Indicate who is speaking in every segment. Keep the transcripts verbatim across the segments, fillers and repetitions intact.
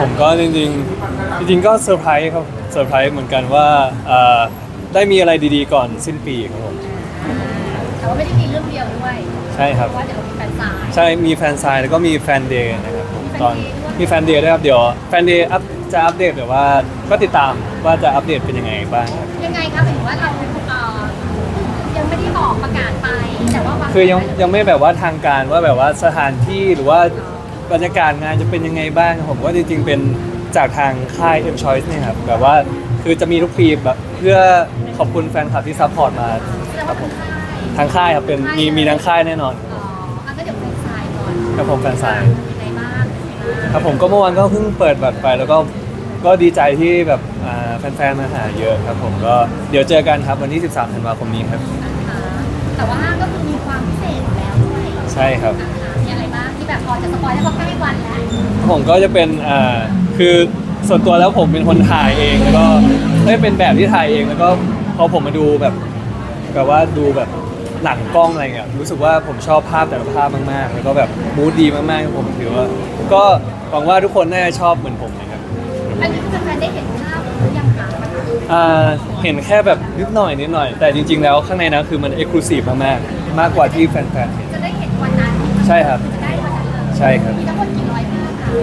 Speaker 1: ผมก็จริงๆจริงๆก็เซอร์ไพรส์ครับเซอร์ไพรส์เหมือนกันว่าเอ่อได้มีอะไรดีๆก่อนสิ้นปีครับผม
Speaker 2: แต่ว่าไม่ได้มีเรื่องเดียวด้วย
Speaker 1: ใช่ครับ
Speaker 2: เพราะว่าเดี๋ยวเรามีแฟนสาย
Speaker 1: ใช่มีแฟนไซน์แล้วก็มีแฟนเดย์นะครับผมตอน
Speaker 2: มีแฟนเดย์ด้วย
Speaker 1: มีแฟนเดย์ด้วยครับเดี๋ยวแฟนเดย์อัพจะอัปเดตแต่ว่าก็ติดตามว่าจะอัปเดตเป็นยังไงบ้างครับ
Speaker 2: ยังไงคะหมายถึงว่าเราเอ่อยังไม่ได้บอกประกาศไปแต่ว่าบาง
Speaker 1: คือยังยังไม่แบบว่าทางการว่าแบบว่าสถานที่หรือว่าบรรยากาศงานจะเป็นยังไงบ้างผมว่าจริงๆเป็นจากทางค่าย M Choice เนี่ยครับแบบว่าคือจะมีทุกปีแบบเพื่อขอบคุณแฟนคลับที่ซัพพอร์ตมา
Speaker 2: แสดง
Speaker 1: ครั
Speaker 2: ว่า
Speaker 1: บผม
Speaker 2: ทางค่าย
Speaker 1: ทางค่ายครับเป็นมีมีทางค่ายแน่นอน
Speaker 2: อ๋ออันก็เดี๋ยวแฟนสายก่อน
Speaker 1: ครับผมแฟนไซน์
Speaker 2: มีอะไรบ้างมีอะไรบ้าง
Speaker 1: ครับผมก็เมื่อวานก็เพิ่งเปิดบัตรไปแล้วก็ก็ดีใจที่แบบอ่าแฟนๆมาหาเยอะครับผมก็เดี๋ยวเจอกันครับวันที่ สิบสาม ธันวาคมนี้ครับ
Speaker 2: อ่าแต่ว่าก็คือมีความพิเศษอยู่แล้วด้วย
Speaker 1: ใช่ครับ
Speaker 2: อ่ามีอะไรบ้างที่แบบพอจะสปอยได้เพราะใกล้วันแล้ว
Speaker 1: ผมก็จะเป็นอ่าคือส่วนตัวแล้วผมเป็นคนถ่ายเองแล้วก็ได้เป็นแบบที่ถ่ายเองแล้วก็พอผมมาดูแบบแบบว่าดูแบบหลังกล้องอะไรเงี้ยรู้สึกว่าผมชอบภาพแต่ละภาพมากๆ แล้วก็แบบมูดดีมากๆผมถือว่า ก็หวังว่าทุกคนน่าจะชอบเหมือนผมนะครับ
Speaker 2: อันนี้คือแฟนๆได้เห็นภาพหรือยังคะ
Speaker 1: อ่าเห็นแค่แบบนิดหน่อยนิดหน่อย แต่จริง ๆ แล้วข้างในนั้นคือมันเอ็กซ์คลูซีฟมากๆมากกว่าที่แฟนๆเห็น
Speaker 2: จะได้เห็นวันนั้น
Speaker 1: ใช่ครับ
Speaker 2: จะได้วันนั้นเลย
Speaker 1: ใช่ครับ
Speaker 2: มีทั้งหมดกี่ร้อยภาพคะ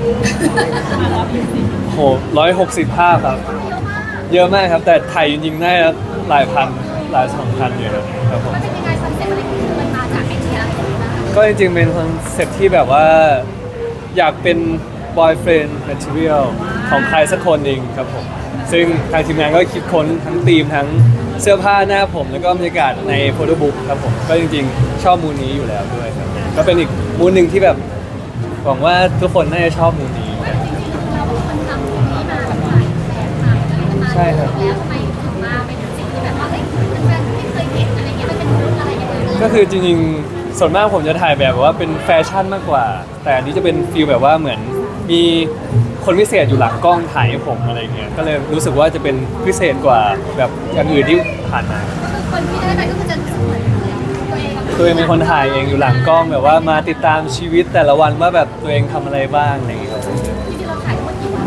Speaker 1: โหร้อยหกสิบภาพครับ
Speaker 2: เยอะมาก
Speaker 1: เยอะมากครับ แต่ถ่ายจริงๆน่าจะหลายพันหลายสองพันอยู่ครับครับผม
Speaker 2: มันเป็นยังไงคอนเซ็ปต์อะไรคือมันมาจากไอเดียอะไรอย่างเงี้ยบ้าง
Speaker 1: ก็จริงๆเป็นคอนเซ็ปต์ที่แบบว่าอยากเป็น boyfriend material ของใครสักคนเองครับผม ซึ่งทางทีมงานก็คิดค้นทั้งธีมทั้งเสื้อผ้าหน้าผม แล้วก็บรรยากาศในโฟโต้บุ๊กครับผม ก็จริงๆ ชอบมูนนี้อยู่แล้วด้วยครับ ก็เป็นอีกมูนหนึ่งที่แบบหวังว่าทุกคนน่าจะชอบมูนนี้
Speaker 2: จริงๆเราเป็นคนทำตรงนี้มาแบบถ่ายแบบถ่ายอะไรกันมา
Speaker 1: ใช่ครับ
Speaker 2: แล้วทำไมถึงมาเป็นสิ่งที่แบบว่าเฮ้ยแฟนๆไม่เคยเห็นอะไรเงี้ยมันเป็นมูดอะไรยังไง
Speaker 1: ก็คือจริงๆ ส่วนมากผมจะถ่ายแบบว่าเป็นแฟชั่นมากกว่า แต่อันนี้จะเป็นฟีลแบบว่าเหมือนมีคนพิเศษอยู่หลังกล้องถ่ายให้ผมอะไรเงี้ย ก็เลยรู้สึกว่าจะเป็นพิเศษกว่าแบบอย่างอื่นที่ผ่านมา
Speaker 2: คือคนที่ได้ไปก็คือจะรู้สึกเหมือนตัวเองกับ
Speaker 1: ตัวเองเป็นคนถ่ายเองอยู่หลังกล้องแบบว่ามาติดตามชีวิตแต่ละวันว่าแบบตัวเองทำอะไรบ้างอะไรเงี้ยครับ
Speaker 2: จริงๆเราถ่ายทั้งหมดกี่วัน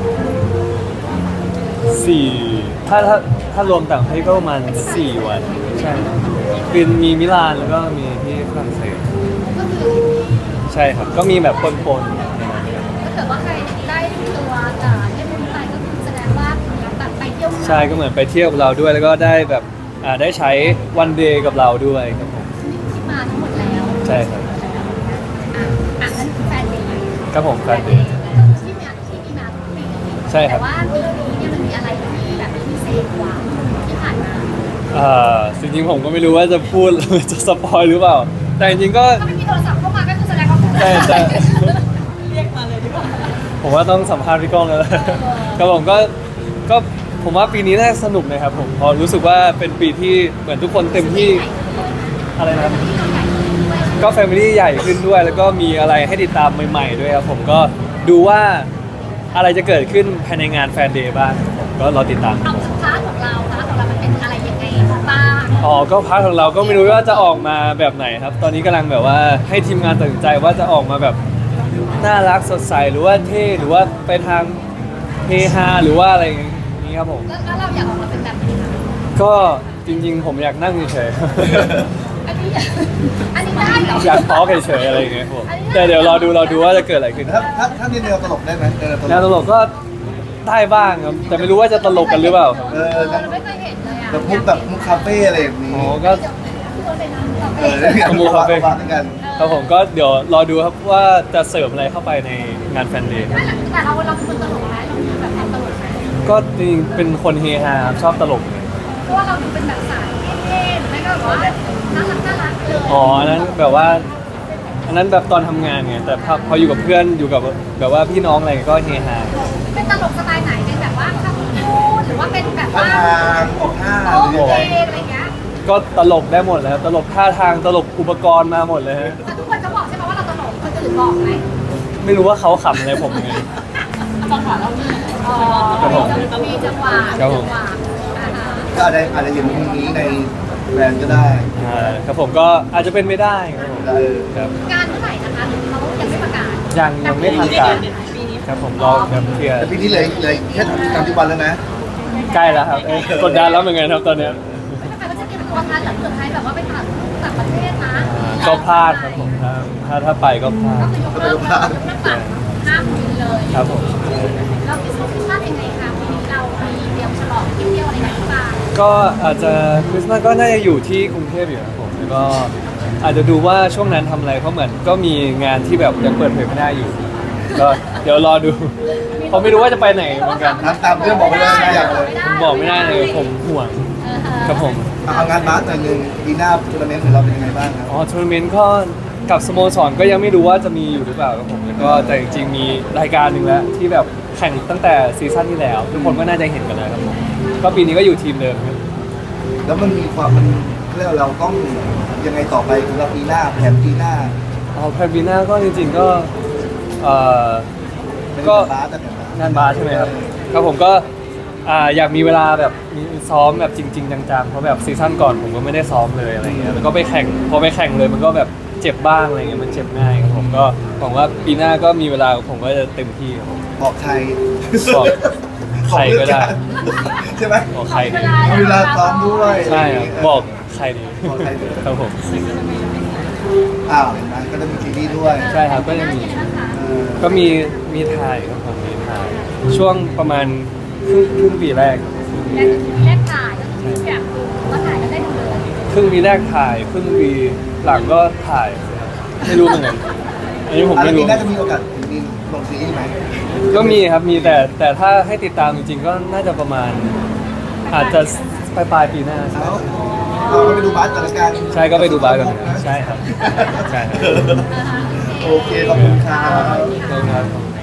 Speaker 1: สี่ถ้าถ้าถ้ารวมต่างประเทศก็ประมาณสี่วัน ใช่เป็นมีมิลานแล้วก็มีที่ฝรั่งเศส
Speaker 2: ก็คือ
Speaker 1: ใช่ครับ ก็มีแบบปนๆ
Speaker 2: ถ้าเกิดว่าใครได้ตัวจากได้บุญไปก็คือแสดงว่าแบบไปเที่ยว
Speaker 1: ใช่ก็เหมือนไปเที่ยวกับเราด้วยแล้วก็ได้แบบอ่าได้ใช้วันเดย์กับเราด้วยครับผม
Speaker 2: ที่มาทั้งหมดแล้ว
Speaker 1: ใช่ครับ
Speaker 2: อ่ะอ่ะนั่นคือแฟนเดย์
Speaker 1: ครับผมแฟนเดย์
Speaker 2: ที่มีที่มีมาทุกปี
Speaker 1: ใช่ครับ
Speaker 2: แต่ว่าปีนี้เนี่ยมันมีอะไรที่แบบพิเศษกว่าที่ผ่านมา
Speaker 1: อ่าจริงๆผมก็ไม่รู้ว่าจะพูด จะสปอยหรือเปล่า แต่จริงๆก็
Speaker 2: ถ้าไม่มีโทรศัพท์เข้ามาก็คือแสดงว่าพูด
Speaker 1: แต่แต่
Speaker 2: เรียกมาเลยดีกว่า
Speaker 1: ผมว่าต้องสัมภาษณ์พี่ก้องแล้วแหละครับผมก็ก็ผมว่าปีนี้น่าสนุกนะครับผมเพอรู้สึกว่าเป็นปีที่เหมือนทุกคนเต็มที่อะไรนะครับ ก็แฟมิลี่ใหญ่ขึ้นด้วย แล้วก็มีอะไรให้ติดตามใหม่ๆด้วยครับผมก็ดูว่าอะไรจะเกิดขึ้นภายในงานแฟนเดย์บ้างครับผมก็รอติดตามครับ
Speaker 2: เอา
Speaker 1: ผม
Speaker 2: พาร์ทของเราพาร์ทของเรามันเป็นอะไรยังไงบ้าง
Speaker 1: อ๋อก็พาร์ทของเราก็ไม่รู้ว่าจะออกมาแบบไหนครับ ตอนนี้กำลังแบบว่าให้ทีมงานตัดสินใจว่าจะออกมาแบบน่ารักสดใสหรือว่าเท่หรือว่าไปทางเฮฮาหรือว่าอะไรอย่างนี้ครับผม
Speaker 2: แล้วเราอยากออกมาเป็นแบบไหนคะ
Speaker 1: ก็จริงๆ ผมอยากนั่งเฉย
Speaker 2: อันนี้อยากอันนี้ได้เหรอ
Speaker 1: ๆ อยากพอเฉยๆอะไรอย่างเงี้ยครับผมแต่เดี๋ยวรอดูรอดูว่าจะเกิดอะไรขึ้น
Speaker 3: ถ้าถ้าถ้าในแนวตลกได้ไหมในแนวตล
Speaker 1: แนว
Speaker 3: ก
Speaker 1: ตลกก็ได้บ้างครับ แต่ไม่รู้ว่าจะตลกกันหรือเปล่าครับ
Speaker 3: เออ
Speaker 2: เราไม่เคยเห็นเลยอ่ะ
Speaker 3: แบบมุกแบบมุกคาเฟ่อะไรอย่างนี้
Speaker 1: อ๋อก็
Speaker 3: เออได้กัน
Speaker 1: มุกคาเฟ่
Speaker 3: บ้านกัน
Speaker 1: ครับผมก็เดี๋ยวรอดูครับว่าจะเสริมอะไรเข้าไปในงานแฟนเดย์
Speaker 2: แต่เราเราเป็นคนตลกไหมเรามีแบบความตลกไหม
Speaker 1: ก็จริงๆเป็นคนเฮฮาครับชอบตลก
Speaker 2: เพราะว่าเราดูเป็นแบบสายเท่ๆหรือไม่ก็แบบว่าน่ารักน่ารักเลย
Speaker 1: อ๋ออันนั้นแบบว่า อันนั้นแบบตอนทำงานไงแต่พอพออยู่กับเพื่อนอยู่กับแบบว่าพี่น้องอะไรก็เฮฮา
Speaker 2: เป็นตลกสไตล์ไหนเป็นแบบว่าคำพูดหรือว่าเป็นแบบ
Speaker 3: ท่า
Speaker 2: ว่า
Speaker 3: ทางออกท่า
Speaker 2: โอ้
Speaker 3: หรือยัง
Speaker 2: เพ
Speaker 3: ไง
Speaker 2: ลงอะไรเงี้ย
Speaker 1: ก็ตลกได้หมดเลยครับตลกท่าทางตลกอุปกรณ์มาหมดเลยฮะ
Speaker 2: แต่ทุกคนจะบอกใช่ไหมว่าเราตลกคนอื่นบอกไหม
Speaker 1: ไม่รู้ว่าเขาขำอะไรผมไง
Speaker 2: จังหวะเรามีอ๋อ
Speaker 1: ครับผม
Speaker 2: มีจังหวะ
Speaker 1: ครับผม
Speaker 2: จังหวะอ่าฮะ
Speaker 3: ก็อาจจะอาจจะเห็นมุมนี้ในแบรนด์ก็ได้
Speaker 1: อ่าครับผมก็อาจจะเป็นไม่ได้ครับผม
Speaker 3: เออ
Speaker 1: ครับ
Speaker 2: งานเมื่อไหร่นะคะหรือเขายังไม่ประกาศ
Speaker 1: ยังยังไม่ทางการ
Speaker 2: ปีนี้
Speaker 1: ครับผมรอแบบเคลียร์
Speaker 3: แต่ปีนี้เหลยเลยแค่สามสิบวันแล้วนะ
Speaker 1: ใกล้แล้วครับเอ้ยกดดันแล้วเหมือนกันครับตอนเนี้ย
Speaker 2: ถ้าใครก็จะเตรียมตัวทันหลังสุดท้ายแบบว่าไปต่างต่างประเทศนะ
Speaker 1: ก็พลาดครับผมถ้าถ้าถ้าไปก็พลา
Speaker 2: ก็
Speaker 1: ด
Speaker 2: คือยกเลิกยกเลิกแบบห้ามบินเลย
Speaker 1: ครับผม
Speaker 2: แล้วคริสต์มาสคริสต์มาสยังไงคะปีนี้เรามีเตรียมฉลองเที่ยวอะไรกันหรือเปล่า
Speaker 1: ก็อาจจะคริสต์มาสก็น่าจะอยู่ที่กรุงเทพอยู่ครับผมแล้วก็อาจจะดูว่าช่วงนั้นทำอะไรเพราะเหมือนก็มีงานที่แบบยังเปิดเผยไม่ได้อยู่ ก็เดี๋ยวรอดูเพราะไม่รู้ว่าจะไปไหนเหมือนกัน
Speaker 3: น้ำตามเรื่องบอกไม่ได้ไม่อยากเลย
Speaker 1: ผมบอกไม่ได้เลยผมห่วงครับผม
Speaker 3: เอางานบาสหน่อยหนึ่งปีหน้าทัวร์นาเมนต์ของเราเป็นยังไงบ้างครับ
Speaker 1: อ๋อทัวร์นาเมนต์ก็กับสโมสรก็ยังไม่รู้ว่าจะมีอยู่หรือเปล่าครับผมแล้วก็แต่จริงๆมีรายการหนึ่งแล้วที่แบบแข่งตั้งแต่ซีซั่นที่แล้ว ทุกคนก็น่าจะเห็นกันแล้วครับผมก็ปีนี้ก็อยู่ทีมเดิมครับ
Speaker 3: แล้วมันมีความมันเรียกว่าเราต้องยังไงต่อไปสำหรับปีหน้าแผนปีหน้า
Speaker 1: อ๋อแพรบีน่าก็จริงๆก็เอ่อ
Speaker 3: เป็น
Speaker 1: ก็
Speaker 3: บาสแต่เป็นบาส
Speaker 1: งานบาสใช่ไหมครับครับผมก็อ่าอยากมีเวลาแบบมีซ้อมแบบจริงๆจังๆเพราะแบบซีซั่นก่อนผมก็ไม่ได้ซ้อมเลยอะไรเงี้ยแล้วก็ไปแข่งพอไปแข่งเลยมันก็แบบเจ็บบ้างอะไรเงี้ยมันเจ็บง่ายครับผมก็หวังว่าปีหน้าก็มีเวลาผมก็จะเต็มที่ครับผม
Speaker 3: บอกใคร
Speaker 1: บอกใครก็ได้
Speaker 3: ใช่ไหม
Speaker 1: บอกใครดี
Speaker 3: เอาเวลาซ้อมด้วย
Speaker 1: ใช่ครับบอกใครดี
Speaker 3: บอกใครดี
Speaker 1: ครับผม
Speaker 3: อ้าวเห็นไหมก็จะมีซีรีส์ด้วย
Speaker 1: ใช่ครับก็ยังมี
Speaker 3: เออ
Speaker 1: ก็มีมีถ่ายครับผมมีถ่ายช่วงประมาณครึ่งครึ่งปีแรก
Speaker 2: แรกแรกถ่ายก็คืออยากดูว่าถ่ายกันได้ดูเลย
Speaker 1: ครึ่งปีแรกถ่ายครึ่งปีหลังก็ถ่ายไม่รู้เหมือนกันอันนี้ผม
Speaker 3: อัน
Speaker 1: ไม่
Speaker 3: นี้
Speaker 1: รู้
Speaker 3: น่าจะมีโอกาสมีลงซีรีส์ไหม
Speaker 1: ก็มีครับมีแต่แต่ถ้าให้ติดตามจริงๆก็น่าจะประมาณ อาจจะปลายปลายๆปีหน้าใช่
Speaker 3: เอาเอาไปดูบาสกันละกัน
Speaker 1: ใช่ก็ไปดูบาสกันนะครับใช่ครับใช่ครับ
Speaker 3: โอเคขอบคุณครับ
Speaker 1: ขอบคุณครับ